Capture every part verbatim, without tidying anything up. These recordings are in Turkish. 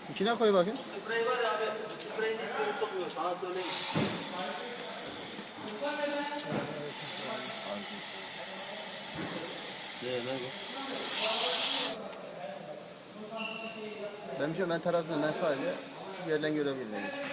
İçine koy bakayım. Sprey var ya abi. Spreyini hiç tutmuyor. Sana söyleyeyim. Ne ne bu? Ben bir şey ben tarafsızım. Ben sadece yerden görebilirim.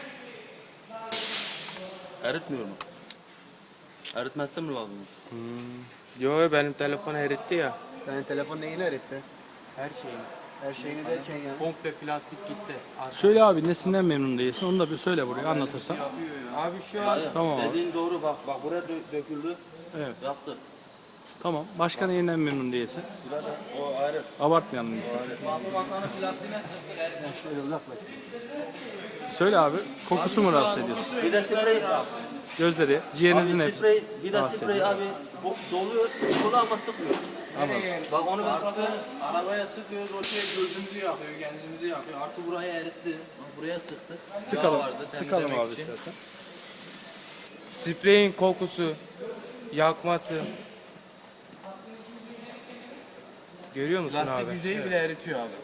Eritmiyor mu? Eritmezse mi lazım? Yo benim telefon eritti ya. Senin telefon neyini öğretti? Her şeyini. Her şeyini derken ya. Komple plastik gitti. Söyle abi nesinden memnun değilsin onu da bir söyle buraya anlatırsan. Abi şu an Tamam abi. Dediğin doğru bak. Bak buraya dö- döküldü. Evet. Yaptı. Tamam. Başka neyinden memnun değilsin? O ayrı. Abartmayalım lütfen. Masanın plastiğine sıktık erittik. Şöyle uzaklaş. Söyle abi. Kokusu mu rahatsız ediyorsun? Bir de sprey. Gözleri, ciğerinizin Abi hep. sprey. Bir de rahatsız sprey ediyor. abi. bu- Doluyor. Çıkıyor ama sıkmıyor. Bak onu ben Artı arabaya sıkıyoruz o şey gözümüzü yakıyor, genzimizi yakıyor. Artı burayı eritti. Buraya sıktık. Yağ Sıkalım. vardı, Sıkalım temizlemek abi için. istersen. spreyin kokusu, yakması. Görüyor musun Lastik abi? yüzeyi bile eritiyor abi.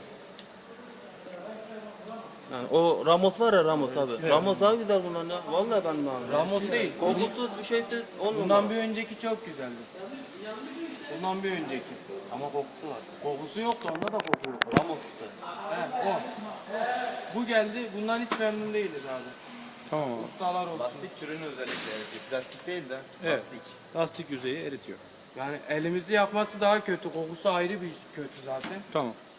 Yani o Ramos var ya Ramos abi. Ramos daha güzel bundan ya. Vallahi ben de abi. Ramos değil. Kokusuz bir şeysiz olmuyor. Bundan bir önceki çok güzeldi. Bundan bir önceki. Ama kokusu var. Kokusu yoktu, onda da koku yok. Ramos işte. He, o. Bu geldi, bundan hiç memnun değiliz abi. Tamam abi. Ustalar olsun. Lastik türünü özellikle eritiyor. Plastik değil de Evet. lastik. Lastik yüzeyi eritiyor. Yani elimizi yakması daha kötü, kokusu ayrı bir kötü zaten. Tamam.